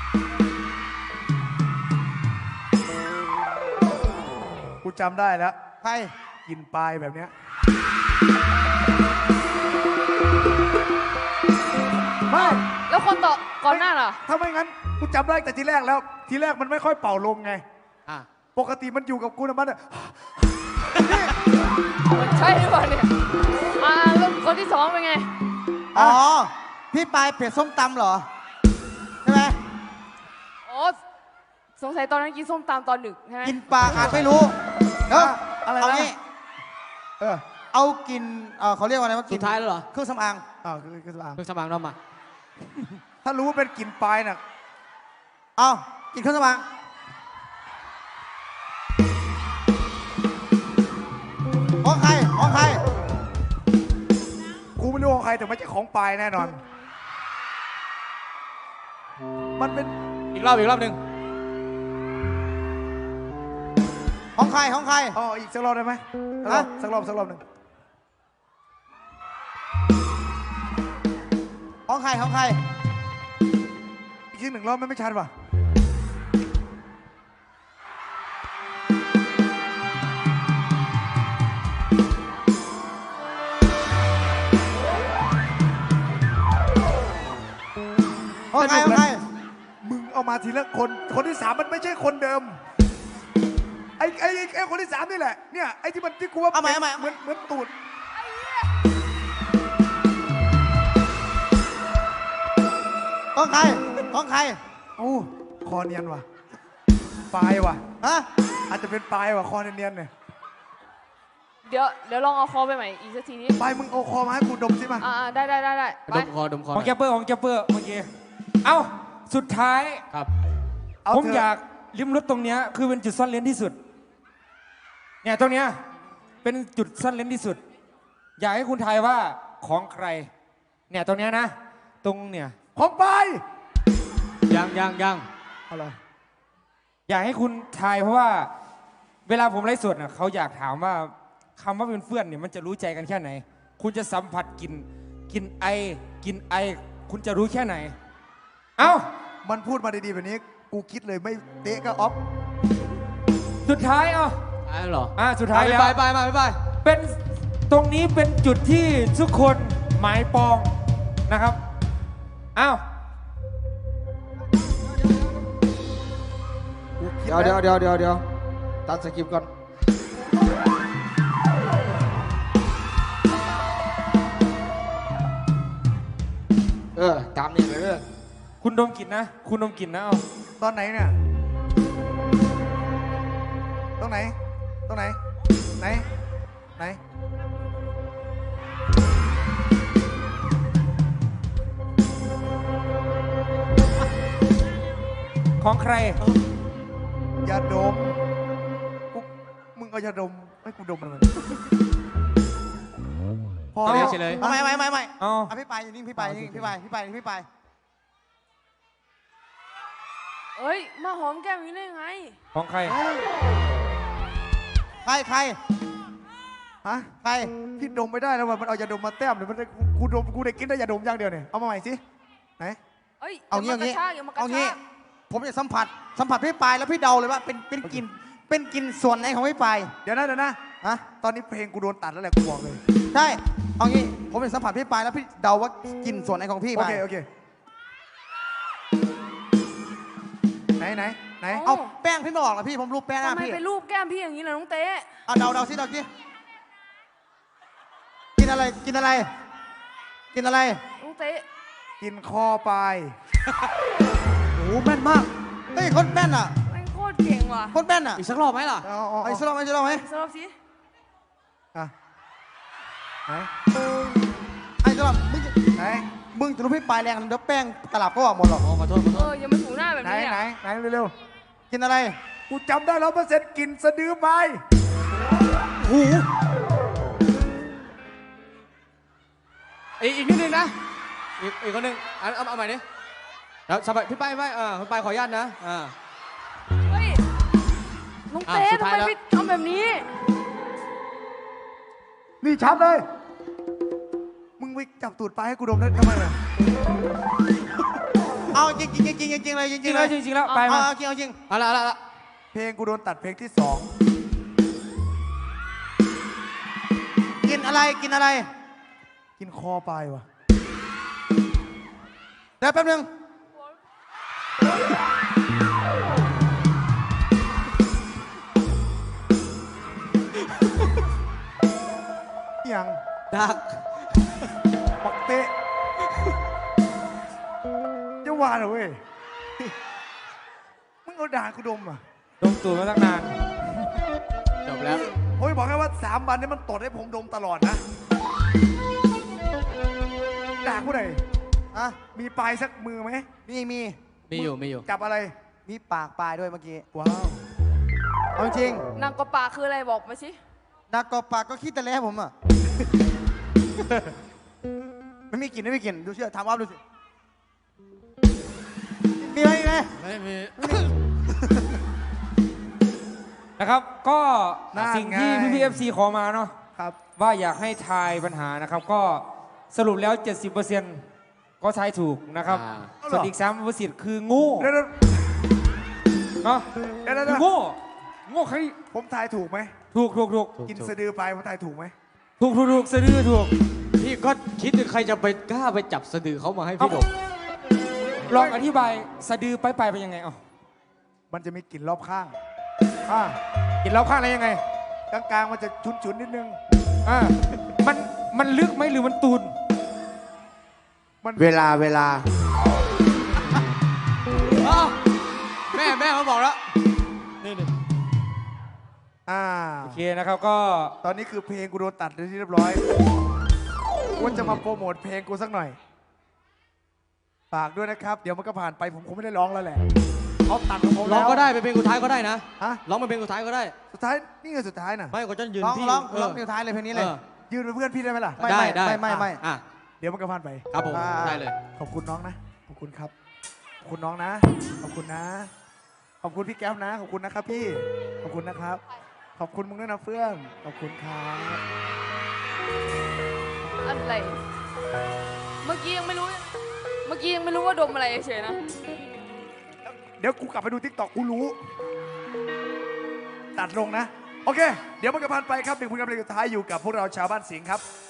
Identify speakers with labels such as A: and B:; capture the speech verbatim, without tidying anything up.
A: กูจำได้แล้ว
B: ใคร
A: กินปลายแบบเนี้ยไม่
C: แล้วคนต่อก่อนหน้าล่ะ
A: ถ้าไม่งั้นกูจำได้แต่ทีแรกแล้วทีแรกมันไม่ค่อยเป่าลมไงปกติมันอยู่กับกูนะมันอ่ะ
C: มันใช่หรือเปล่าเนี่ยอ่าแล้วคนที่สองเป็นไง
B: อ๋อพี่ปายเผ็ดส้มตำเหรอใช่ไหม
C: อ๋อสงสัยตอนนั้นกินส้มตำตอนดึกใช่ไหม
B: กินปลาอาจไม่รู้เนาะ
A: อะไรนะ
B: เอางี้
A: เออ
B: เอากินเออเขาเรียกว่าอะไรว่า
D: สุดท้ายแล้วเหรอ
B: เครื่องสำอาง
A: อ่าคือเครื่องสำอาง
D: เครื่องสำอางเรามา
A: ถ้ารู้ว่าเป็นกลิ่นปลายน่ะ
B: เอากินเครื่องสำอางของใครของใคร
A: กูไม่รู้ของใครแต่ไม่ใช่ของปลายแน่นอนมันเป็น
D: อีกรอบอีกรอบหนึ่ง
B: ของใครของใคร
A: อ๋ออีกสักรอบได้ไหมสักรอบสักรอบหนึ่ง
B: ของใครของใคร
A: อีกทีหนึ่งรอบไม่ไม่ชัดป่ะ
B: ของใครของใคร
A: มึงเอามาทีละคนคนที่สามมันไม่ใช่คนเดิมไอ้ไอ้ไอ้คนที่สามนี่แหละเนี่ยไอ้ที่มันที่กูว่า
B: เอาใหม่เอาใหม่
A: เหมือนเหมือนตูด
B: ของใครของใคร
A: โอ้คอเนียนว่ะปลายว่ะ
B: ฮะ
A: อาจจะเป็นปลายว่ะคอเนียนเนี่ย
C: เดี๋ยวเดี๋ยวลองเอาคอไปใหม่อีกสักทีนี้
A: ปลายมึงเอาคอมาให้กูดมสิมา
C: อ่าได้ได้ได้ได้
D: ดมคอดมคอ
E: ของแกปเปอร์ของแกปเปอร์เมื่อกี้เอ้าสุดท้าย
D: ครับ
E: ผมอยากลิ้มรสตรงเนี้ยคือเป็นจุดซ่อนเลนที่สุดเนี่ยตรงเนี้ยเป็นจุดซ่อนเลนที่สุดอยากให้คุณทายว่าของใครเนี่ยตรงเนี้ยนะตรงเนี่ย
A: ของปลาย
D: ยังยังยัง
A: อะไร
E: อยากให้คุณทายเพราะว่าเวลาผมไลฟ์สดน่ะเขาอยากถามว่าคำว่าเป็นเพื่อนเนี่ยมันจะรู้ใจกันแค่ไหนคุณจะสัมผัสกลิ่นกลิ่นไอกลิ่นไอคุณจะรู้แค่ไหนเอ้า
A: มันพูดมาดีๆแบบนี้กูคิดเลยไม่เตะก็ออฟ
E: สุดท้ายอ่ะ
D: ท้ายเหรอ
E: อ่าสุดท้ายแล้ว
D: ไปไปมาไปไป
E: เป็นตรงนี้เป็นจุดที่ทุกคนหมายปองนะครับอ้าว
B: เดี๋ยวเดี๋ยวเดี๋ยวเดี๋ยวเดี๋ยวตัดสกิปก่อนเออตามนี่เลยเด้อ
E: คุณดมกลิ่นนะคุณดมกลิ่นนะเอา
A: ตอนไหนเนี่ยตรงไหนตรงไหนไหนไหน
E: ของใคร
A: ยาดมกูมึงเอายาดมให้กูดมมัน
D: พอแล้วเฉย
B: ไม่ไม่ไม่ไม่
E: อ๋อ
B: พี่ไปอยู่นี่พี่ไปนี่พี่ไปพี่ไปพี่ไป
C: เอ้ยมาหอมแก้มอยู่ได้ไง
E: ของใคร
B: ใครใคร
A: ฮะ
B: ใคร
A: พี่ดมไม่ได้แล้วมันเอายาดมมาแต้มเดี๋ยวมันกูดมกูได้กินได้ยาดมอย่างเดียวเนี่ยเอามาใหม่สิไหน
C: เอ้ย
B: เอางี้เอางี้
C: เอา
B: งี้ผมจะสัมผัสสัมผัสพี่ปายแล้วพี่เดาเลยว่าเป็นเป็นกลิ่นเป็นกลิ่นส่วนไหนของพี่ปาย
A: เดี๋ยวนะเดี๋ยวนะ
B: ฮะ
A: ตอนนี้เพลงกูโดนตัดแล้วแหละกูบอกเลย
B: ใช่เอางี้ผมจะสัมผัสพี่ปายแล้วพี่เดาว่ากลิ่นส่วนไหนของพี่
A: โอเคโอเคไหนไหนไหน
B: เอาแป้งพี่ไม่ออกหรอพี่ผมรูปแป้งหน้าพี่
C: ทำไมไปรูปแก้มพี่อย่างนี้ล่ะน้องเต้
B: เอาเดาเดาสิเดาสิกินอะไรกินอะไรกินอะไร
C: น้องเต้
A: กินคอปลาย
B: โอ้แม่นมากเฮ้ยคนแม่นอ่ะ
C: แม่งโคตรเก่งว่ะ
B: คนแม่นอ่ะ
D: อีกสักรอบไหมล่ะ
B: อีกสักรอบไหมสักรอบไหม
C: สักรอบสิ
A: อ่ะไหน
B: ไอ้สักรอบมึง
A: ไหน
B: มึงจะรู้พี่ปลายแรงเดี๋ยวแป้งตลับก็ออกหมดหรอก
D: ขอโทษขอโทษ
C: เออยังไม่ถูหน้าแบบนี้
A: ไหนไหนไหนเร็ว
B: ๆกินอะไร
A: กูจำได้แล้วเปอร์เซ็นต์กินสะดือไป
B: หู
D: อีกนิดนึงนะอีกอีกคนหนึ่งเอาเอาใหม่ดิแล้วสบายพี่ไปไปเออพี่ไปขออนุญาตนะอ่า
C: เฮ้ยน้องเต้ทำไมพี่ทำแบบนี้
A: นี่ชัดเลยมึงไปจับตูดปลายให้กูดมได้ทำไมอ่ะ
B: เอเอาจริงจริงจริงจริงเลยจ
E: จ
B: ริ
E: ริ
B: ง
E: ง
B: ๆ
E: แล้
B: เล
E: วย จริงๆแล้วไป
B: เอา
E: มา
B: เอาจริงเอาจริง
D: เอาละเอาละเอาละ
A: เพลงกูโดนตัดเพลงที่สอง
B: กินอะไรกินอะไร
A: กินคอไปว่ะ
B: เดี๋ยวแป๊บนึง
A: ยัง
D: ดัก
A: ปักเตะจะว่าเหรอเว้ย มึงเอาด่ากูดมอ่ะ
E: ดมตูดมาตั้งนาน
D: จบแล้ว
A: โอ้ยบอกแค่ว่าสามวันนี้มันตดให้ผมดมตลอดนะ ด่ากูหน่อย
B: อะ
A: มีปลายสักมือไหม
B: มีมี
D: มีอยู่มีอยู่
A: จับอะไร
B: มีปากปลายด้วยเมื่อกี้
A: ว้าว
B: เอาจริง
C: นางกระปาคืออะไรบอกมาสิ
B: นักกอปากก็คิดแต่แล้วผมอ่ะ ไม่มีกลิ่นไม่มีกลิ่นดูเชื่อถามว่าดูสิมีไหมมีไหม
D: ไม่มี
E: นะครับก็
A: นั่น
E: สิ่งที่
A: ไง
E: พี่พีเอฟซีขอมาเนาะ
A: ครับ
E: ว่าอยากให้ทายปัญหานะครับ ก็สรุปแล้ว เจ็ดสิบเปอร์เซ็นต์ ก็ทายถูกนะครับ
D: อ่า
E: ส่วนอีกสามเปอร์เซ็นต์คือโงู
A: เดี๋ยว
E: เนาะ
A: เดี๋ยวเดี๋ยว
E: คือ
A: เดี๋ยว
E: โง่โง่ใคร
A: ผมทายถูกไหม
E: ถูกถูกถูก
A: กินสะดือไปผมทายถูกไหม
E: ถูกถูกถูกสะดือถูก
D: พี่ก็คิดถึงใครจะไปกล้าไปจับสะดือเขามาให้พี่ดม
E: ลองอธิบายสะดือไปไปเป็นยังไงอ๋อ
A: มันจะมีกลิ่นรอบข้าง อ่า
E: กินแล้วข้างอะไรยังไง
A: กลางๆมันจะชุนๆนิดนึง
E: อ่ามันมันลึกไหมหรือมันตูน
A: มัน
D: เวลาเวลาแม่แม่เขาบอกแล้วนี่นี่
A: อ่า
E: โอเคนะครับก็
A: ตอนนี้คือเพลงกูโดนตัดเป็นที่เรียบร้อยว่าจะมาโปรโมทเพลงกูสักหน่อย ฝากด้วยนะครับ เดี๋ยวมันก็ผ่านไปผมคงไม่ได้ร้องแล้วแหละเขาตัดของผม
D: ร้
A: แล้
D: อง
A: ว
D: ก็ได้เป็นเพลงสุดท้ายก็ได้นะ
A: ฮะ
D: ร้องเป็นเพลงสุดท้ายก็ได้
A: สุดท้ายนี่ไงสุดท้ายน่ะ
D: ไม่ก็จะยืน
B: ร้อง
D: พี่
B: ร้อง
D: เอ
B: ร้
D: อ
B: องเพลงท้ายเลยเพลงนี้เลย
D: เออ
A: ยืนเป็นเพื่อนพี่ได้ไหมล่ะ
B: ไม่
D: ได้
B: ไม่
D: ได้
B: ไม่ไม่ไม่
D: อ่ะ
A: เดี๋ยวมันก็ผ่านไป
D: ครับผม
B: อ่า
D: ได้เลย
A: ขอบคุณน้องนะ ขอบคุณครับ ขอบคุณน้องนะ ขอบคุณนะ ขอบคุณพี่แก้วนะ ขอบคุณนะครับพี่ ขอบคุณนะครับ ขอบคุณมึงด้วยนะเฟื่อง ขอบคุณครับ
C: อะไร เมื่อกี้ยังไม่รู้ เมื่อกี้ยังไม่รู้ว่าดมอะไรเฉยๆนะ
A: เดี๋ยวกูกลับไปดูทิกตอกกูรู้ ตัดลงนะ โอเค เดี๋ยวมันก็ผ่านไปครับหนึ่งผลงานเพลงสุดท้ายอยู่กับพวกเราชาวบ้านสิงห์ครับ